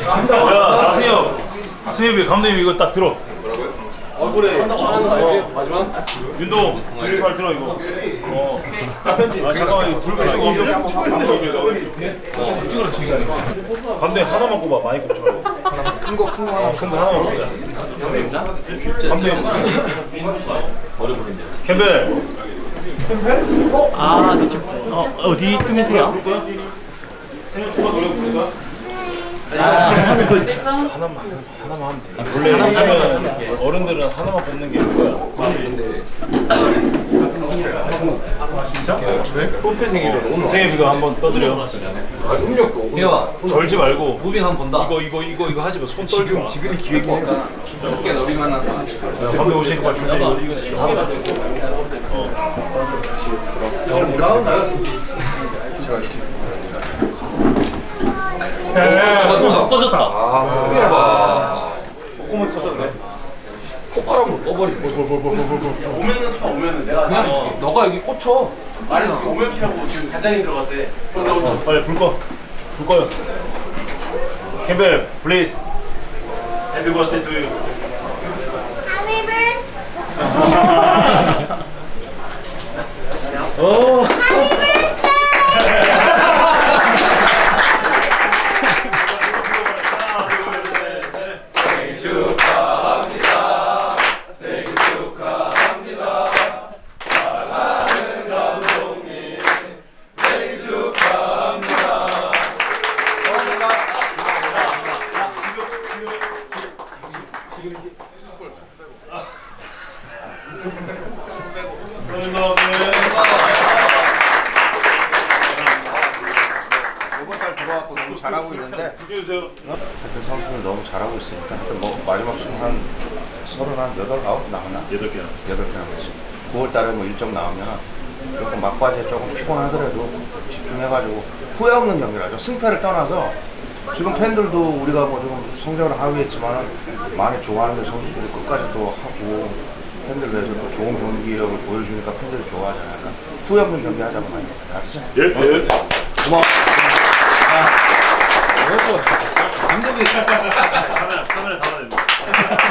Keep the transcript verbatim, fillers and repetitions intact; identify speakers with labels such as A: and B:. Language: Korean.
A: 야, 나승엽. 승엽이 감독님 이거 딱 들어.
B: 얼굴에 하는 거 알지? 마지막?
A: 윤동, 여기 발 들어 이거. 어. 아 잠깐만 이거 불 끄시고
B: 이쪽으로 지금.
A: 감독님 하나만 꼽아. 많이 꼽지 말고.
C: 큰 거 큰 거 하나.
A: 큰 거 하나만 꼽자. 감독님. 캠벨.
D: 아, 네, 지금 어, 어디쯤이세요?
A: 생일 축하 노래 부를까?
D: 아, 그
A: 하나만 하나만 하면 돼. 원래 요즘은 어른들은 하나만 뽑는 게 뭐야? 아 진짜? 왜?
B: 프로필 생일은
A: 생일 이거 한번 떠드려.
B: 음력도. 세영아,
A: 절지 말고.
B: 무빙 한번 본다.
A: 이거 이거 이거 이거 하지 마. 손 떨지 마.
C: 지금 지금이 기획이네.
B: 어떻게 너비 만났다.
A: 감독 오시니까 준비 이거 이거 하고 찍고.
C: 형 뭐라고 나갔습니다. 제가
D: 아, 꺼졌다.
B: 아, 수비해봐.
A: 콧구멍 터졌네.
B: 콧바람으로 떠버리고.
E: 오면은 켜 오면은 내가
B: 그냥 어. 너가 여기 꽂혀.
E: 말해줄게. 오면 키라고 지금 단장님 들어갔대. 그래서 너
A: 어, 빨리 불 꺼. 불 꺼요. 캠벨, please. Happy birthday to you. 오.
C: 이번 달 들어왔고 너무 잘하고 있는데
A: 주세요.
C: 하여튼 선수는 너무 잘하고 있으니까 하여튼 뭐 마지막 승 한 서른 한 여덟 아홉 나왔나?
A: 여덟 개나.
C: 여덟 개 남았지. 구월 달에 뭐 일정 나오면 조금 막바지에 조금 피곤하더라도 집중해가지고 후회 없는 경기라죠. 승패를 떠나서 지금 팬들도 우리가 뭐 좀 성적을 하위했지만 많이 좋아하는 선수들이 끝까지 또 하고 팬들 위해서 또 좋은 경기력을 보여주니까 팬들이 좋아하잖아요. 약간 후회 없는 경기 하자고 많이 알았죠?
A: 예, 예.
C: 고마워. 아, 이것도 감독이
A: 카메라 카메라 담아야 됩니다.